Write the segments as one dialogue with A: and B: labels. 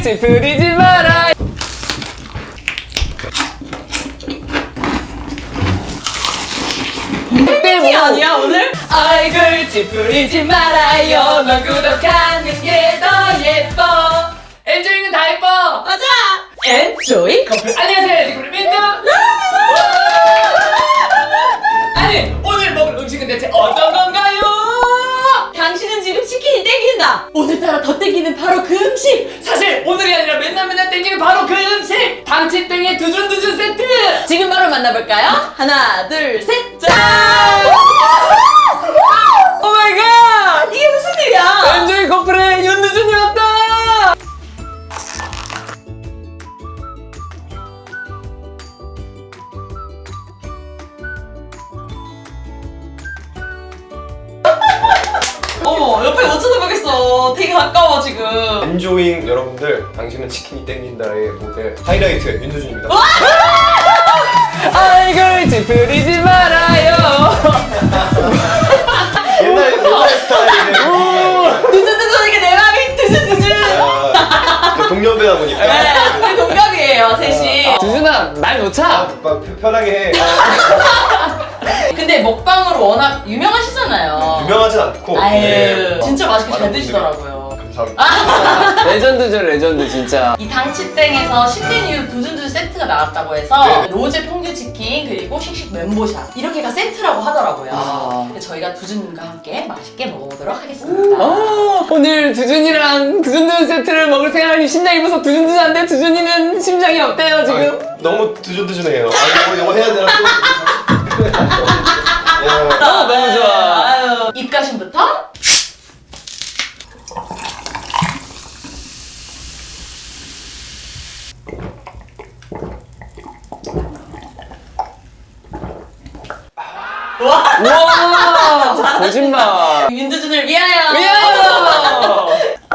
A: 찌푸리지 마라.
B: 이 아니야 오늘?
A: 얼굴 찌푸리지 말아요. 널 구독하는 게 더 예뻐. 엔조이는 다 예뻐.
B: 맞아. 엔조이
A: 커플 안녕하세요. 리코리 민트. 아니 오늘 먹을 음식은 대체 어떤 건가요?
B: 당신은 지금 치킨이 땡긴다. 오늘따라 더 땡기는 바로 그 음식.
A: 사실 오늘이 아니라 맨날 땡기는 바로 그 음식 당치땡의 두준두준 세트.
B: 지금 바로 만나볼까요? 하나 둘 셋. 짠.
A: 오 마이 갓.
B: 이게 무슨 일이야?
A: 엔조이 커플의 윤두준이 왔다.
B: 어머 옆에 못 쳐다보겠어. 되게 가까워 지금.
C: 엔조잉 여러분들, 당신은 치킨이 땡긴다의 모델 하이라이트 윤두준입니다.
A: 얼굴 찌푸리지 말아요.
C: 옛날 스타일의
B: 두근두근 이게 내 맘이 두근두근.
C: 동년배다 보니까
B: 네, 우리 동갑이에요 셋이.
A: 두준아 말 놓자.
C: 막 편하게 해.
B: 근데 먹방으로 워낙 유명하시잖아요.
C: 유명하진 않고
B: 아유
C: 네,
B: 진짜 맛있게 잘
C: 많은
B: 드시더라고요.
C: 분들이 감사합니다.
A: 레전드죠 레전드 진짜.
B: 이 당치땡에서 신메 이후로 두준두준 세트가 나왔다고 해서
C: 네.
B: 로제 퐁듀 치킨 그리고 씩씩 멘보샤 이렇게가 세트라고 하더라고요.
A: 아.
B: 그래서 저희가 두준님과 함께 맛있게 먹어보도록 하겠습니다.
A: 오늘 두준이랑 두준두준 세트를 먹을 생각하니 심장이 무서. 두준두준한데 두준이는 심장이 어때요 지금?
C: 아, 너무 두준두준해요. 아, 이거 해야 되나 또. 야,
A: 너무 좋아.
B: 아유, 입가심부터
A: 와 거짓말.
B: 윤두준을 위하여.
A: 미안해요.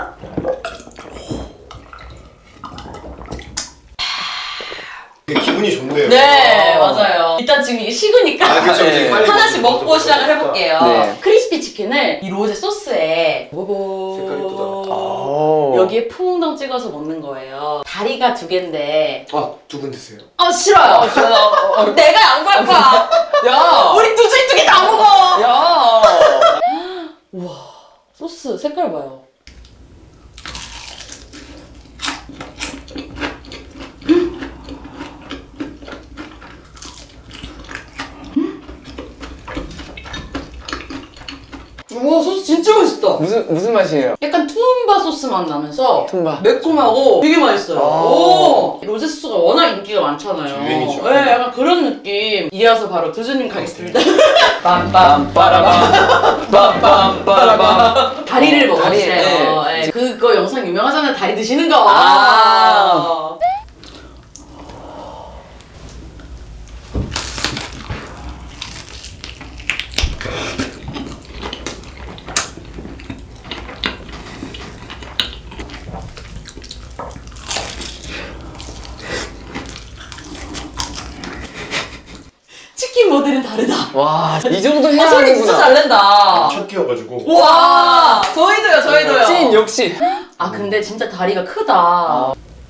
C: 되게 기분이 좋네요.
B: 네 맞아요. 일단 지금 이게 식으니까
C: 아, 그쵸,
A: 네.
C: 빨리
B: 하나씩 먹고
C: 먹어보자.
B: 시작을 해볼게요.
A: 네.
B: 크리스피 치킨을 이 로제 소스에
C: 색깔 이쁘다.
B: 여기에 퐁당 찍어서 먹는 거예요. 다리가 두 개인데
C: 두 분 드세요.
B: 싫어요. 내가 양보할 거야.
A: 야.
B: 우리 두준이 두 개 다 먹어.
A: 야.
B: 우와 소스 색깔 봐요. 우와 소스 진짜 맛있다.
A: 무슨 맛이에요?
B: 약간 투움바 소스 맛 나면서
A: 투움바.
B: 매콤하고 되게 맛있어요.
A: 아.
B: 오, 로제 소스가 워낙 인기가 많잖아요.
C: 유행이죠.
B: 네, 약간 그런 느낌. 이어서 바로 두준님 가겠습니다.
A: 빰빰빠라밤 빰빰빠라밤.
B: 다리를 먹어주세요.
A: 다리,
B: 네. 그거 영상 유명하잖아요. 다리 드시는 거.
A: 아.
B: 치킨 모델은 다르다.
A: 와, 이 정도 해야
B: 소리 진짜 잘
A: 하는구나.
B: 낸다.
C: 첫 끼여가지고.
B: 와, 저희도요, 저희도요.
A: 찐 역시.
B: 아, 근데 진짜 다리가 크다.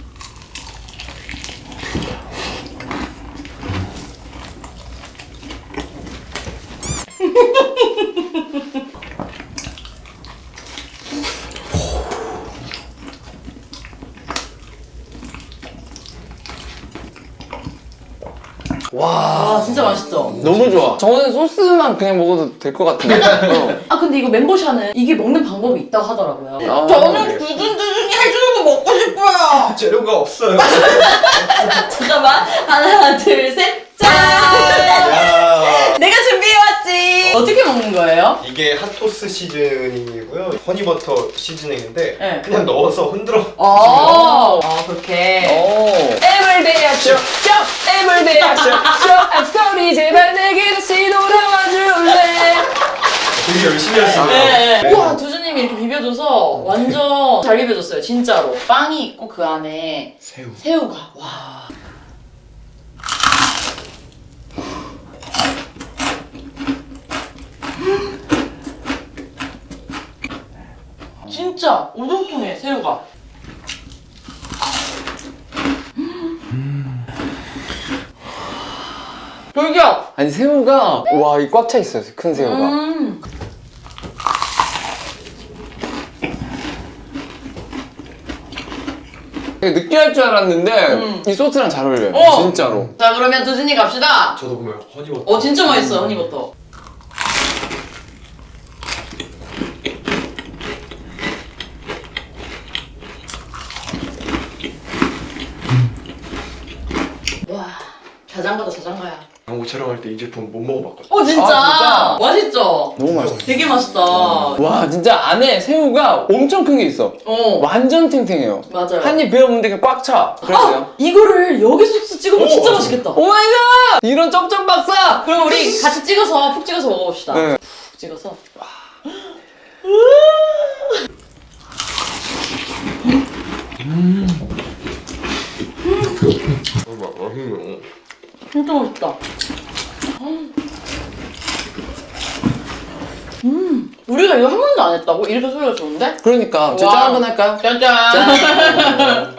B: 와, 진짜 맛있죠?
A: 너무 좋아. 저는 소스만 그냥 먹어도 될 것 같은데.
B: 아, 근데 이거 멘보샤는 이게 먹는 방법이 있다고 하더라고요.
A: 아,
B: 저는 두준두준이 해주는 거 먹고 싶어요.
C: 재료가 없어요.
B: 잠깐만. 하나, 둘, 셋. 짠!
C: 야,
B: 내가 준비해왔지. 어떻게 먹는 거예요?
C: 이게 핫토스 시즈닝이고요. 허니버터 시즈닝인데
B: 네.
C: 그냥 넣어서 흔들어.
B: 그렇게.
A: 오. Everyday I show, show, everyday I show, show. I'm sorry, 제발 내게 다시 돌아와 줄래.
C: 되게 열심히 하시네요.
B: 네.
C: 네.
B: 우와, 두준님이 이렇게 비벼줘서 완전 잘 비벼줬어요, 진짜로. 빵이 있고 그 안에
C: 새우.
B: 새우가. 와. 진짜 우동통에 새우가. 돌격!
A: 아니 새우가 와 이 꽉 차 있어요. 큰 새우가. 되게 느끼할 줄 알았는데 이 소스랑 잘 어울려요. 진짜로.
B: 자 그러면 두준이 갑시다.
C: 저도 보면 허니버터.
B: 진짜 맛있어 허니버터. 와 자장가다 자장가야.
C: 광고 촬영할 때 이 제품 못 먹어봤거든요.
B: 진짜?
A: 진짜?
B: 맛있죠?
A: 너무 맛있어.
B: 되게 맛있다.
A: 와 진짜 안에 새우가 엄청 큰 게 있어. 완전 탱탱해요.
B: 맞아요.
A: 한 입 베어 먹는데 꽉 차. 그래서요.
B: 이거를 여기 소스 찍어 먹으면 진짜 맛있겠다.
A: 오마이갓! 이런 쩝쩝 박사!
B: 그럼 우리 같이 찍어서 푹 찍어서 먹어봅시다.
A: 네.
B: 푹 찍어서.
C: 맛있네요.
B: 진짜 맛있다. 우리가 이거 한 번도 안 했다고? 이렇게 소리가 좋은데?
A: 그러니까 짠
B: 와.
A: 한번 할까요?
B: 짠짠!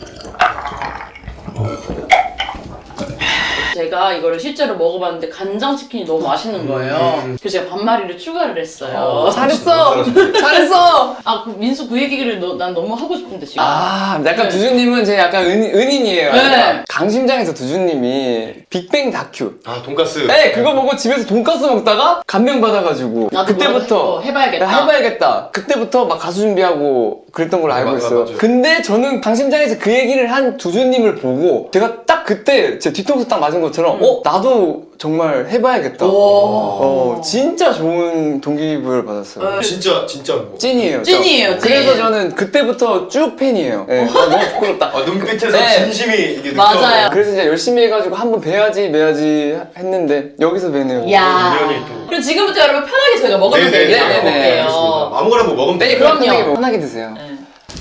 B: 제가 이거를 실제로 먹어봤는데 간장치킨이 너무 맛있는 거예요. 그래서 제가 반마리를 추가를 했어요.
A: 잘했어! 잘했어!
B: 아, 그 민수 그 얘기를 난 너무 하고 싶은데 지금.
A: 약간
B: 네.
A: 두준님은 제 약간 은인이에요.
B: 네.
A: 강심장에서 두준님이 빅뱅 다큐.
C: 돈가스.
A: 네, 그거 보고 집에서 돈가스 먹다가 감명 받아가지고
B: 나도
A: 그때부터
B: 해봐야겠다.
A: 해봐야겠다. 그때부터 막 가수 준비하고 그랬던 걸로 알고
C: 맞아,
A: 있어요.
C: 맞아.
A: 근데 저는 강심장에서 그 얘기를 한 두준님을 보고 제가 딱 그때 제 뒤통수 딱 맞은 것처럼 나도 정말 해봐야겠다. 진짜 좋은 동기부여를 받았어요.
C: 진짜 뭐.
A: 찐이에요.
B: 찐이에요, 찐.
A: 그래서 저는 그때부터 쭉 팬이에요. 네. 너무 부끄럽다.
C: 눈빛에서
A: 네.
C: 진심이 이게
B: 맞아요.
A: 그래서 이제 열심히 해가지고 한번 매야지 했는데 여기서 매네요.
B: 야.
C: 인연이 또.
B: 그럼 지금부터 여러분 편하게 저희가 먹으면
C: 네네네.
B: 되게
A: 네네네.
B: 먹을게요.
C: 아무거나 뭐 먹으면
A: 네,
C: 돼요.
A: 그럼
B: 그럼요.
A: 편하게 드세요.
B: 네.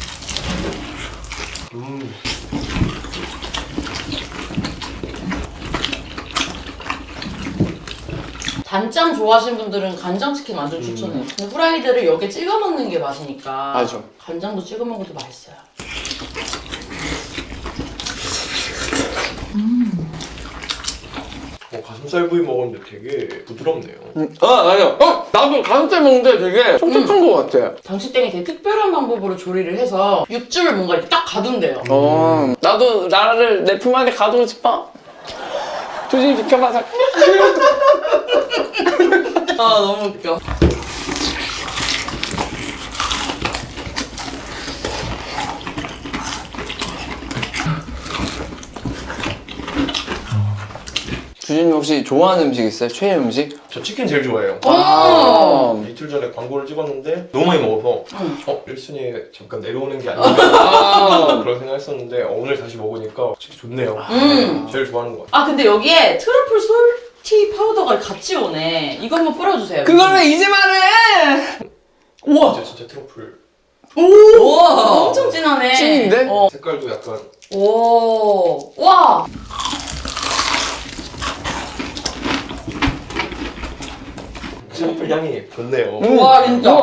B: 단짠 좋아하시는 분들은 간장치킨 완전 추천해요. 근데 후라이드를 여기에 찍어 먹는 게 맛이니까.
A: 맞아.
B: 간장도 찍어 먹어도 맛있어요.
C: 가슴살 부위 먹었는데 되게 부드럽네요.
A: 맞아. 나도 가슴살 먹는데 되게 촉촉한 것 같아.
B: 당시땡이 되게 특별한 방법으로 조리를 해서 육즙을 뭔가 이렇게 딱 가둔대요.
A: 나도 나를 내 품 안에 가두고 싶어. 조심히 비켜봐.
B: 아 너무 웃겨.
A: 주진님 혹시 좋아하는 음식 있어요? 최애 음식?
C: 저 치킨 제일 좋아해요. 이틀 전에 광고를 찍었는데 너무 많이 먹어서 1순위에 잠깐 내려오는 게 아닌가 그런 생각했었는데 오늘 다시 먹으니까 진짜 좋네요. 제일 좋아하는 것 같아요.
B: 아 근데 여기에 트러플 솔티 파우더가 같이 오네. 이거 한번 뿌려주세요.
A: 그걸 왜 이제 말해? 우와!
C: 진짜 트러플.
B: 우와 엄청 진하네.
A: 찐인데?
C: 색깔도 약간
B: 오, 와.
C: 트러플 향이 좋네요.
B: 와 진짜.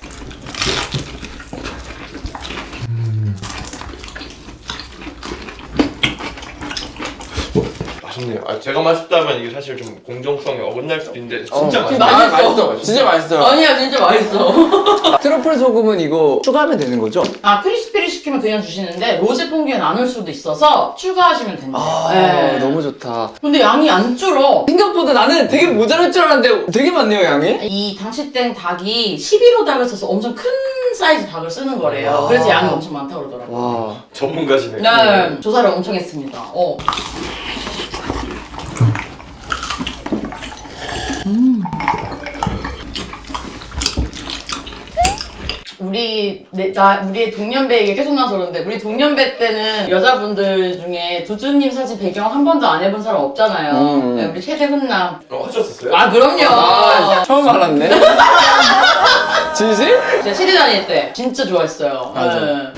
C: 맛있네요. 제가 맛있다면 이게 사실 좀 공정성에 어긋날 수도 있는데 진짜 맛있어요.
B: 맛있어.
A: 진짜 맛있어요.
B: 아니야 진짜 맛있어.
A: 트러플 소금은 이거 추가하면 되는 거죠?
B: 아 크리스피를 시키면 그냥 주시는데 로제 퐁듀에 나눌 수도 있어서 추가하시면 된대요. 네.
A: 너무 좋다.
B: 근데 양이 안 줄어.
A: 생각보다 나는 되게 모자랄 줄 알았는데 되게 많네요, 양이.
B: 이 당시땡 닭이 11호 닭을 써서 엄청 큰 사이즈 닭을 쓰는 거래요. 그래서 양이 엄청 많다고 그러더라고요.
A: 와.
C: 전문가시네.
B: 네, 조사를 엄청 했습니다. 우리의 동년배 얘기 계속 나서 그러는데 우리 동년배 때는 여자분들 중에 두준님 사진 배경 한 번도 안 해본 사람 없잖아요. 네, 우리 최대 훈남.
C: 하셨었어요?
B: 아 그럼요.
A: 처음 알았네. 진심?
B: 제가 시대 다닐 때 진짜 좋아했어요.
A: 맞아.
B: 네.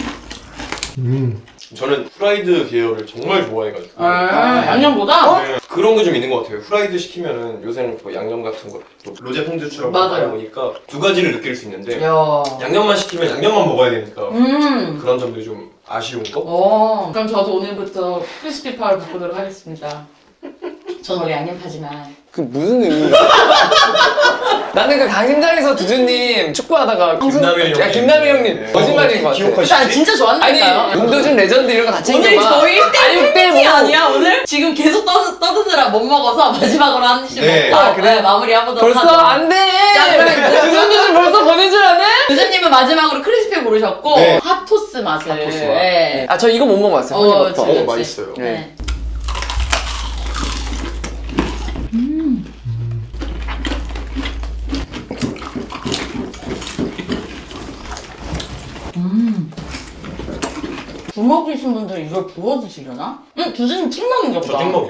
C: 저는 프라이드 계열을 정말 좋아해가지고
B: 양념보다?
C: 네, 그런 게 좀 있는 것 같아요. 후라이드 시키면은 요새는 뭐 양념 같은 것도 로제 퐁듀처럼
B: 맞아요.
C: 많이 보니까 두 가지를 느낄 수 있는데
B: 야.
C: 양념만 시키면 양념만 먹어야 되니까
B: 음.
C: 그런 점들이 좀 아쉬운 거?
B: 그럼 저도 오늘부터 크리스피 파를 바꾸도록 하겠습니다. 전 원래 양념파지만.
A: 그 무슨 의미야? 나는 그 강심장에서 두준님 축구하다가
C: 김남일 형님.
A: 김남일 형님
C: 네.
A: 거짓말인 것 같아.
C: 기억하시지?
B: 난 진짜
A: 아니
B: 좋았다니까요.
A: 문도준 레전드 이런 거 다 챙겨봐.
B: 오늘 저희 1대1
A: 6대
B: 팬미팅 아니야 오늘? 지금 계속 떠드느라 못 먹어서 마지막으로 한 입씩
C: 네.
B: 먹고
A: 아, 그래?
B: 마무리 한번
A: 벌써
B: 하죠.
A: 안 돼.
B: 자, 그러면
A: 두준두준 벌써 보내줄 안 해?
B: 교수님은 마지막으로 크리스피 고르셨고
C: 네.
B: 핫토스 맛을.
C: 핫토스 맛.
B: 네.
A: 아 저 이거 못 먹어봤어요.
B: 그렇지,
A: 허니버터.
B: 그렇지.
C: 맛있어요.
B: 네. 부먹이신 분들 이걸 부어 드시려나? 두준님 찍먹인가 보다.
C: 저 찍먹이요.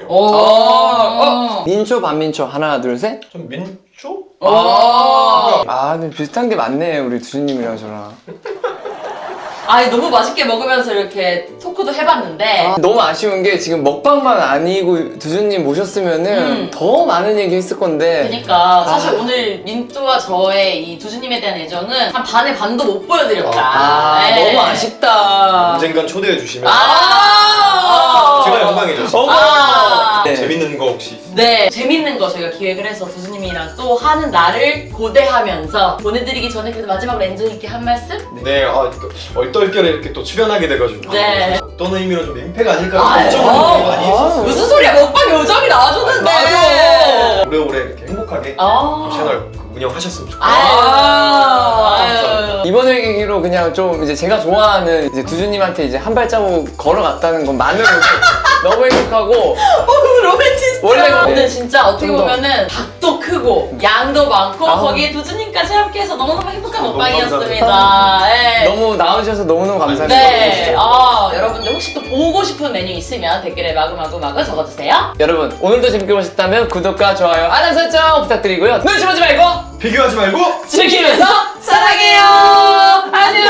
A: 민초 반민초 하나 둘 셋.
C: 좀 민초?
A: 아 근데 비슷한 게 많네 우리 두준님이랑 저랑.
B: 아니 너무 맛있게 먹으면서 이렇게 토크도 해봤는데
A: 너무 아쉬운 게 지금 먹방만 아니고 두준님 모셨으면은 더 많은 얘기 했을 건데.
B: 그러니까 사실 오늘 민뚜와 저의 이 두준님에 대한 애정은 한 반의 반도 못 보여드렸다.
A: 아
B: 네.
A: 너무 아쉽다.
C: 언젠간 초대해 주시면
B: 아
C: 제가 영광이죠.
B: 아
A: 네.
C: 재밌는 거 혹시
B: 네, 재밌는 거 저희가 기획을 해서 두준님이랑 또 하는 날을 고대하면서 보내드리기 전에 그래도 마지막으로 엔조이 있게 한 말씀?
C: 네, 얼떨결에 이렇게 또 출연하게 돼가지고
B: 네.
C: 어떤 의미로 좀 민폐가 아닐까
B: 아유.
C: 걱정을 많이 했었어요.
B: 무슨 소리야, 먹방 요정이 나와줬는데!
A: 맞아.
C: 오래오래 이렇게 행복하게
B: 아.
C: 채널 운영하셨으면 좋겠어요.
B: 아유.
A: 이번 회계기로 그냥 좀 이제 제가 좋아하는 이제 두준님한테 이제 한 발자국 걸어갔다는 것만으로도 너무 행복하고
B: 로맨티스트.
A: 원래
B: 근데 진짜 어떻게
A: 좀 더.
B: 보면은 닭도 크고 양도 많고
A: 아.
B: 거기에 두준님까지 함께해서 너무너무 행복한
C: 너무
B: 먹방이었습니다. 네.
A: 너무 나와주셔서 너무너무 감사합니다.
B: 네. 여러분들 혹시 또 보고 싶은 메뉴 있으면 댓글에 마구마구 적어주세요.
A: 여러분 오늘도 재밌게 보셨다면 구독과 좋아요, 알람 설정 부탁드리고요. 눈치 보지 말고
C: 비교하지 말고
B: 즐기면서 사랑해요. 안녕.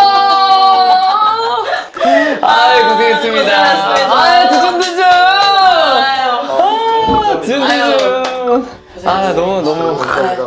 A: 아유 고생했습니다.
B: 고생하셨습니다.
A: 아유 두준두준.
B: 아유.
A: 두준두준. 아 너무
C: 감사합니다.